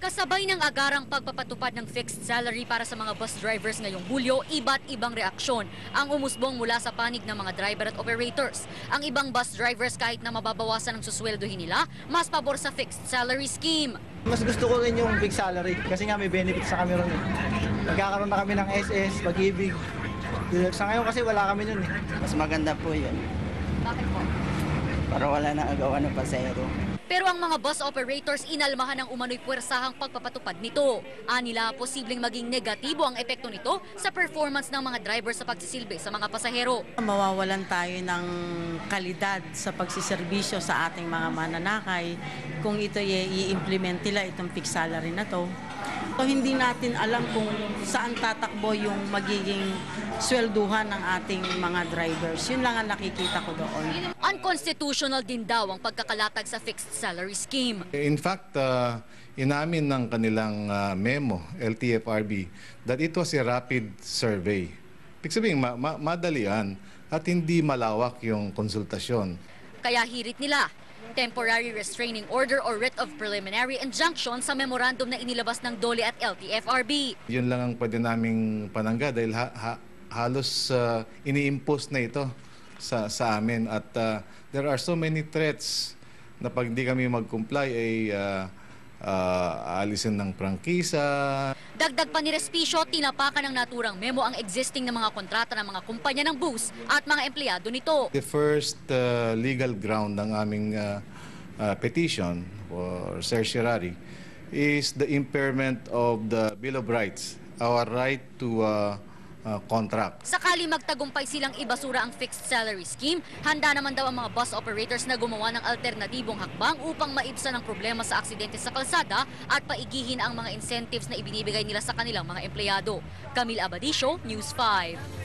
Kasabay ng agarang pagpapatupad ng fixed salary para sa mga bus drivers ngayong Hulyo, iba't ibang reaksyon ang umusbong mula sa panig ng mga driver at operators. Ang ibang bus drivers kahit na mababawasan ang susweldohin nila, mas pabor sa fixed salary scheme. Mas gusto ko rin yung big salary kasi nga may benefits sa kami ron eh. Nagkakaroon na kami ng SS, pag-ibig. Sa ngayon kasi wala kami nun eh. Mas maganda po yun. Bakit po? Para wala nang agawan ng pasero. Pero ang mga bus operators inalmahan ng umano'y puwersahang pagpapatupad nito. Anila, posibleng maging negatibo ang epekto nito sa performance ng mga driver sa pagsisilbi sa mga pasahero. Mawawalan tayo ng kalidad sa pagsiservisyo sa ating mga mananakay kung ito i-implement nila itong fixed salary na to. So, hindi natin alam kung saan tatakbo yung magiging swelduhan ng ating mga drivers. Yun lang ang nakikita ko doon. Unconstitutional din daw ang pagkakalatag sa fixed salary scheme. In fact, inamin ng kanilang memo, LTFRB, that it was a rapid survey. Ibig sabihin, madalian at hindi malawak yung konsultasyon. Kaya hirit nila temporary restraining order or writ of preliminary injunction sa memorandum na inilabas ng DOLE at LTFRB. Yun lang ang pwede naming panangga dahil halos ini-impose na ito sa amin at there are so many threats na pag hindi kami mag-comply ay aalisin ng prangkisa. Dagdag pa ni Respicio, tinapakan ng naturang memo ang existing na mga kontrata ng mga kumpanya ng bus at mga empleyado nito. The first legal ground ng aming petition for certiorari is the impairment of the Bill of Rights, our right to contract. Sakali magtagumpay silang ibasura ang fixed salary scheme, handa naman daw ang mga bus operators na gumawa ng alternatibong hakbang upang maibsan ang problema sa aksidente sa kalsada at paigihin ang mga incentives na ibinibigay nila sa kanilang mga empleyado. Camille Abadisio, News 5.